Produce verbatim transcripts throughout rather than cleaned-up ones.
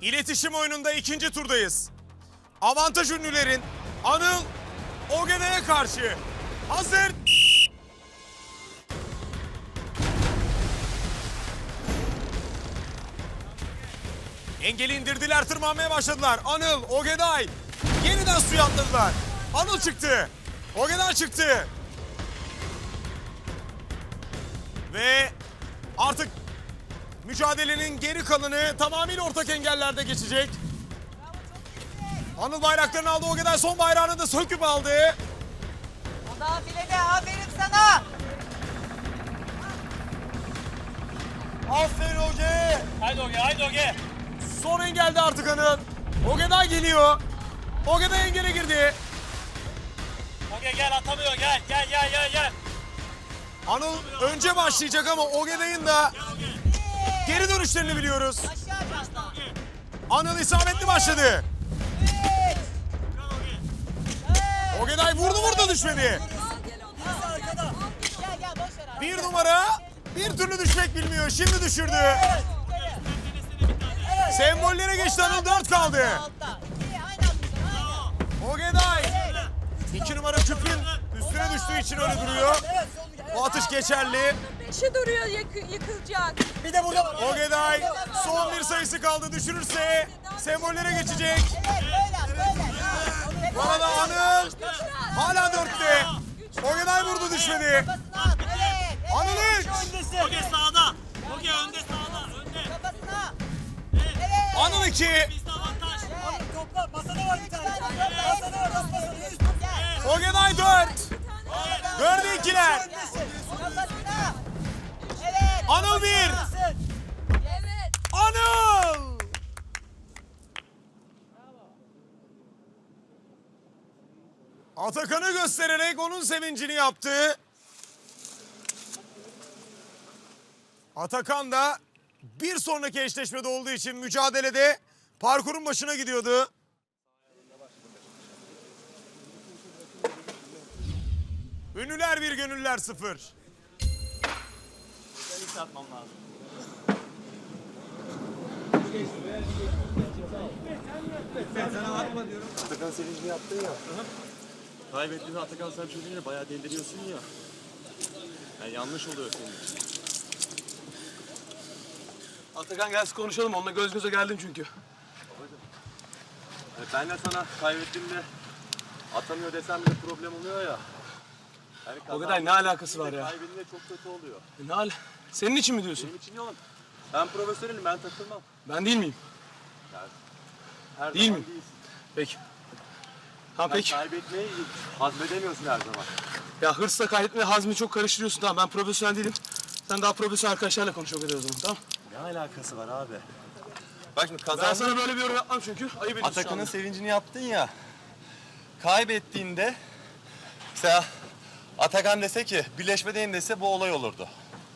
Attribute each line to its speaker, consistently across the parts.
Speaker 1: İletişim oyununda ikinci turdayız. Avantaj ünlülerin Anıl Ogeday'a karşı. Hazır. Engeli indirdiler, tırmanmaya başladılar. Anıl, Ogeday yeniden suya atladılar. Anıl çıktı. Ogeday çıktı. Ve artık mücadelenin geri kalanı tamamıyla ortak engellerde geçecek. Anıl bayraklarını aldı. Ogeday son bayrağını da söküp aldı.
Speaker 2: O da filede, aferin sana.
Speaker 1: Aferin Oge.
Speaker 3: Haydi Oge, haydi Oge.
Speaker 1: Son engelde artık Anıl. Ogeday geliyor. Ogeday engele girdi.
Speaker 3: Oge gel, atamıyor, gel, gel, gel, gel, gel.
Speaker 1: Anıl önce başlayacak ama Ogeday'ın da geri dönüşlerini biliyoruz.
Speaker 2: Aşağı çanta.
Speaker 1: Anıl isabetli başladı.
Speaker 2: Üç.
Speaker 1: Ogeday vurdu vurdu düşmedi.
Speaker 2: Gel gel boş ver abi.
Speaker 1: Bir numara bir türlü düşmek bilmiyor. Şimdi düşürdü. Sembollere geçti Anıl, dört kaldı.
Speaker 2: Altta. İyi, aynı atmışsın.
Speaker 1: Ogeday iki numara küpün üstüne düştüğü için öyle duruyor. O atış geçerli.
Speaker 4: Beşe duruyor, yıkı- yıkılacak.
Speaker 2: Bir de burada var.
Speaker 1: Ogeday son bir sayısı kaldı. Düşürürse sembollere geçecek.
Speaker 2: Evet böyle böyle.
Speaker 1: Bu arada Anıl hala dörtte. Ogeday vurdu, düşmedi.
Speaker 2: Kafasına at. Evet. Evet.
Speaker 1: Anıl üç.
Speaker 3: Oge sağda. Oge önde, sağda, önde.
Speaker 2: Kafasına. Evet.
Speaker 1: Anıl iki.
Speaker 3: Bizde avantaj.
Speaker 2: Topla. Masada var bir tane. Masada var. Masada. Gel.
Speaker 1: Ogeday dört. Dördü ikiler.
Speaker 2: Kafasına. Evet.
Speaker 1: Anıl bir.
Speaker 4: Evet.
Speaker 1: Anıl. Atakan'ı göstererek onun sevincini yaptı. Atakan da bir sonraki eşleşmede olduğu için mücadelede parkurun başına gidiyordu. Ünlüler bir, gönüller sıfır.
Speaker 3: Ben ilk atmam lazım.
Speaker 5: Atakan sevincini yaptın ya. Kaybettiğinde Atakan sen çocuğuyla bayağı deliriyorsun ya. Yani yanlış oluyor senin için.
Speaker 6: Atakan gelsin konuşalım. Onunla göz göze geldim çünkü.
Speaker 5: Yani ben de sana kaybettiğimde atamıyor desem bile problem oluyor ya. Yani
Speaker 6: O kadar ne alakası var ya?
Speaker 5: Kaybedince çok kötü oluyor.
Speaker 6: E ne hal? Senin için mi diyorsun?
Speaker 5: Benim için yok. Ben profesyonelim, ben takılmam.
Speaker 6: Ben değil miyim?
Speaker 5: Her
Speaker 6: Değil
Speaker 5: zaman
Speaker 6: mi?
Speaker 5: değilsin.
Speaker 6: Peki. Ha
Speaker 5: Sen
Speaker 6: peki.
Speaker 5: kaybetmeyi hazmedemiyorsun her zaman.
Speaker 6: Ya hırsla kaybetme hazmi çok karıştırıyorsun. Tamam ben profesyonel değilim. Sen daha profesyonel arkadaşlarla konuş o kadar o zaman tamam?
Speaker 5: Ne alakası var abi? Bak şimdi
Speaker 6: Ben
Speaker 5: kazandın.
Speaker 6: sana böyle bir yorum yapmam çünkü. Ayıp ediyorsun şu
Speaker 5: Atakan'ın
Speaker 6: anda.
Speaker 5: sevincini yaptın ya. Kaybettiğinde mesela Atakan dese ki birleşmedeyim dese bu olay olurdu.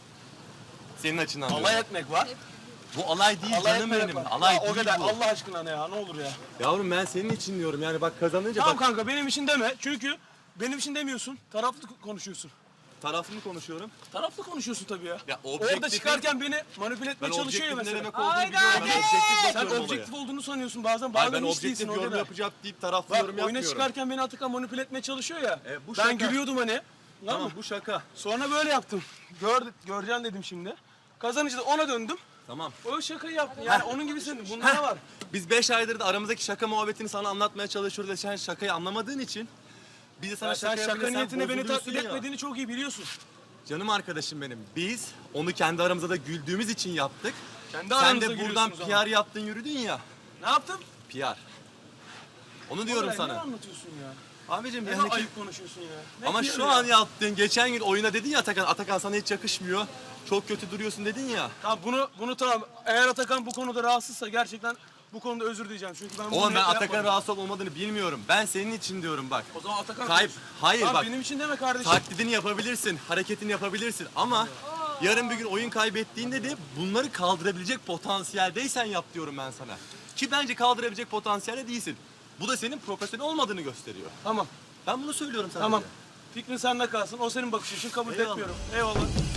Speaker 5: Senin açından.
Speaker 6: Alay
Speaker 5: diyorum.
Speaker 6: etmek var.
Speaker 5: Bu alay değil
Speaker 6: Alay
Speaker 5: canım
Speaker 6: etmek
Speaker 5: benim.
Speaker 6: var.
Speaker 5: Alay
Speaker 6: Ya
Speaker 5: değil
Speaker 6: o kadar
Speaker 5: bu.
Speaker 6: Allah aşkına ne ya ne olur ya.
Speaker 5: Yavrum ben senin için diyorum yani bak kazanınca
Speaker 6: Tamam
Speaker 5: bak
Speaker 6: kanka benim için deme. Çünkü benim için demiyorsun. Taraflı konuşuyorsun.
Speaker 5: taraflı mı konuşuyorum?
Speaker 6: Taraflı konuşuyorsun tabii ya.
Speaker 5: Ya
Speaker 6: Orada
Speaker 5: objektifin-
Speaker 6: çıkarken beni manipüle etmeye
Speaker 5: Ben
Speaker 6: çalışıyor ya
Speaker 5: objektifin ne
Speaker 6: mesela.
Speaker 5: demek olduğunu
Speaker 2: Haydi,
Speaker 5: biliyorum. Ben
Speaker 2: haydi.
Speaker 5: objektif
Speaker 6: Sen
Speaker 5: bakıyorum
Speaker 6: objektif
Speaker 5: olaya.
Speaker 6: olduğunu sanıyorsun bazen.
Speaker 5: Hayır,
Speaker 6: Bazen
Speaker 5: ben
Speaker 6: hiç değilsin
Speaker 5: objektif
Speaker 6: o
Speaker 5: yorum
Speaker 6: kadar.
Speaker 5: yapacak deyip taraflı
Speaker 6: Bak
Speaker 5: yorum
Speaker 6: oyuna
Speaker 5: yapmıyorum.
Speaker 6: çıkarken beni Atakan manipüle etmeye çalışıyor ya.
Speaker 5: E, bu
Speaker 6: ben
Speaker 5: şaka.
Speaker 6: gülüyordum hani. Tamam
Speaker 5: Tamam
Speaker 6: mı?
Speaker 5: bu şaka.
Speaker 6: Sonra böyle yaptım. Gör, göreceksin dedim şimdi. Kazanınca da ona döndüm.
Speaker 5: Tamam.
Speaker 6: O şakayı yaptım. Yani onun gibi senin. Bunda ne var?
Speaker 5: Biz beş aydır da aramızdaki şaka muhabbetini sana anlatmaya çalışıyoruz ve sen şakayı anlamadığın için biz de sana
Speaker 6: Ya sen
Speaker 5: şaka
Speaker 6: şaka
Speaker 5: yapınca sen
Speaker 6: niyetine beni
Speaker 5: bozuluyorsun
Speaker 6: taklit
Speaker 5: ya.
Speaker 6: etmediğini çok iyi biliyorsun.
Speaker 5: Canım arkadaşım benim. Biz onu kendi aramızda da güldüğümüz için yaptık.
Speaker 6: Kendi
Speaker 5: Sen
Speaker 6: aranızda
Speaker 5: de buradan
Speaker 6: gülüyorsunuz
Speaker 5: P
Speaker 6: ama.
Speaker 5: R yaptın yürüdün ya.
Speaker 6: Ne yaptım?
Speaker 5: P R. Onu diyorum
Speaker 6: Oğlum, Ne
Speaker 5: sana.
Speaker 6: anlatıyorsun ya?
Speaker 5: Abicim
Speaker 6: Ne
Speaker 5: yani
Speaker 6: ayıp konuşuyorsun ya? Ne
Speaker 5: ama
Speaker 6: diyor
Speaker 5: şu
Speaker 6: ya?
Speaker 5: an yaptığın geçen gün oyuna dedin ya Atakan, Atakan sana hiç yakışmıyor. Çok kötü duruyorsun dedin ya.
Speaker 6: Tamam bunu bunu tamam. Eğer Atakan bu konuda rahatsızsa gerçekten bu konuda özür dileyeceğim. Çünkü ben bunu
Speaker 5: Oğlum ben
Speaker 6: niyetle
Speaker 5: Atakan
Speaker 6: yapmadım.
Speaker 5: rahatsız olup olmadığını bilmiyorum. Ben senin için diyorum bak.
Speaker 6: O zaman Atakan
Speaker 5: Kayıp.
Speaker 6: konuş.
Speaker 5: Hayır
Speaker 6: Tamam,
Speaker 5: bak.
Speaker 6: benim için deme kardeşim.
Speaker 5: Taklidini yapabilirsin, hareketini yapabilirsin ama yarın bir gün oyun kaybettiğinde de bunları kaldırabilecek potansiyeldeysen yap diyorum ben sana. Ki bence kaldırabilecek potansiyelde değilsin. Bu da senin profesyonel olmadığını gösteriyor.
Speaker 6: Tamam.
Speaker 5: Ben bunu söylüyorum sana.
Speaker 6: Tamam.
Speaker 5: böyle.
Speaker 6: Fikrin sende kalsın. O senin bakış için kabul
Speaker 5: Eyvallah.
Speaker 6: etmiyorum. Eyvallah.